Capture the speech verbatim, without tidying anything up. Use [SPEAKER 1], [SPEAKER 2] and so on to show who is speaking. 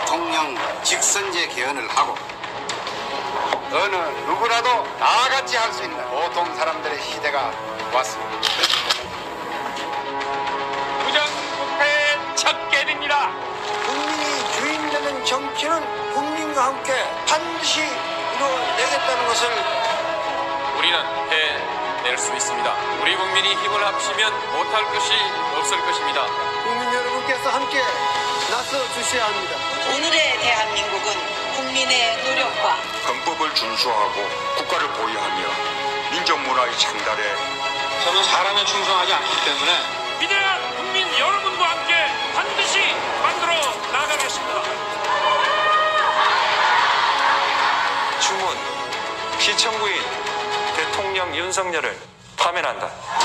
[SPEAKER 1] 대통령 직선제 개헌을 하고 어느 누구라도 나같이 할 수 있는 보통 사람들의 시대가 왔습니다.
[SPEAKER 2] 부정부패의 척결입니다.
[SPEAKER 3] 국민이 주인되는 정치는 국민과 함께 반드시 이루어내겠다는 것을
[SPEAKER 2] 우리는 해낼 수 있습니다. 우리 국민이 힘을 합치면 못할 것이 없을 것입니다.
[SPEAKER 3] 국민 여러분께서 함께 나서 주셔야 합니다.
[SPEAKER 4] 오늘의 대한민국은 국민의 노력과
[SPEAKER 5] 헌법을 준수하고 국가를 보유하며 민족문화의 창달에
[SPEAKER 6] 저는 사람에 충성하지 않기 때문에
[SPEAKER 2] 위대한 국민 여러분과 함께 반드시 만들어 나가겠습니다.
[SPEAKER 7] 주문, 시청구인 대통령 윤석열을 파면한다.